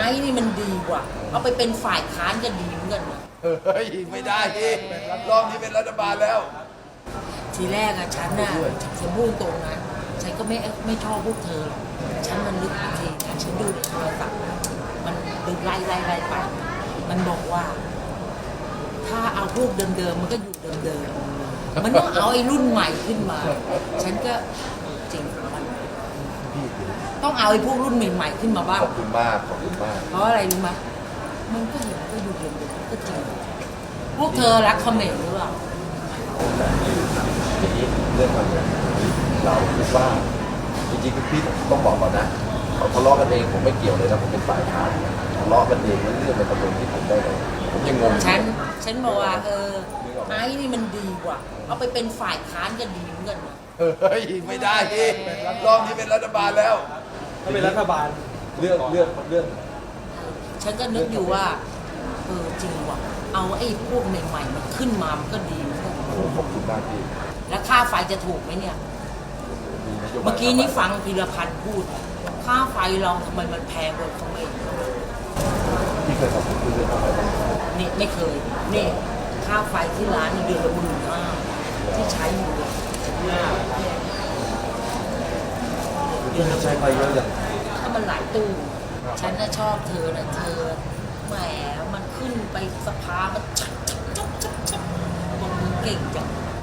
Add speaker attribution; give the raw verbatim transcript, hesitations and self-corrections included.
Speaker 1: ม้นี่มันดีกว่าเอาไปเป็นฝ่ายค้านก็ดีเหมือนกันนะ
Speaker 2: เฮ้ยไม่ได้พี่รอบนี้เป็นรัฐบาลแล้ว
Speaker 1: ทีแรกอะฉันน่ะฉันพูดตรงนะฉันก็ไม่ไม่ชอบพวกเธอหรอกฉันมันลึกจริงนะฉันดูในโทรศัพท์มันดึงไล่ไล่ไล่ไปมันบอกว่า ถ้าเอาพวกเดิมๆมันก็อยู่เดิมๆมันต้องเอาไอ้รุ่นใหม่ขึ้นมา ฉันก็จริงมันต้องเอาไอ้พวกรุ่นใหม่ๆขึ้นมาบ้าง
Speaker 2: ขอบคุณมากขอบคุณมาก
Speaker 1: เพราะอะไรรู้ไหมมันก็เห็นก็อยู่เดิมๆก็จริงพวกเธอรักเขมรหรือเปล่า
Speaker 2: ทีนี้เรื่องมันเนี่ยเราคิดว่าจริงๆพี่ต้องบอกก่อนนะเขาทะเลาะกันเองผมไม่เกี่ยวเลยนะผมเป็นฝ่ายค้านทะเลาะกันเองแล้วเรื่องเป็นประเด็นที่ผมได้เลยผมยังงง
Speaker 1: ฉันฉันบอกว่าเออไอ้นี่มันดีกว่าเอาไปเป็นฝ่ายค้านก็ดีเหมือนกันนะ
Speaker 2: เฮ้ยไม่ได้พี่รอบนี้เป็นรัฐบาลแล้ว
Speaker 3: ถ้าเป็นรัฐบาล
Speaker 2: เรื่องเรื่องเรื่อง
Speaker 1: ฉันก็นึกอยู่ว่าเออจริงว่ะเอาไอ้พวกใหม่ๆมันขึ้นมามันก็ดีเหมือนกัน
Speaker 2: โอ้ขอบคุณมากพี่
Speaker 1: แล้วค่าไฟจะถูกไหมเนี่ย
Speaker 2: โยบาย
Speaker 1: เมื่อกี้นี้ฟังพีรพันธ์พูด ค่าไฟเราทำไมมันแพงกว่าเขมร
Speaker 2: พี่เคยขอบคุณเรื่องอะไรบ้าง
Speaker 1: นี่ไม่เคยนี่ค่าไฟที่ร้านนี่เดือนละหมื่นห้าที่ใช้อยู่เลยเดือนละ
Speaker 2: ใช้ไฟเยอะจัง
Speaker 1: ถ้ามันหลายตู้ ฉันน่ะชอบเธอนะเธอแหมมันขึ้นไปสภามันชักชักชักชักชักบอกมึงเก่งจัง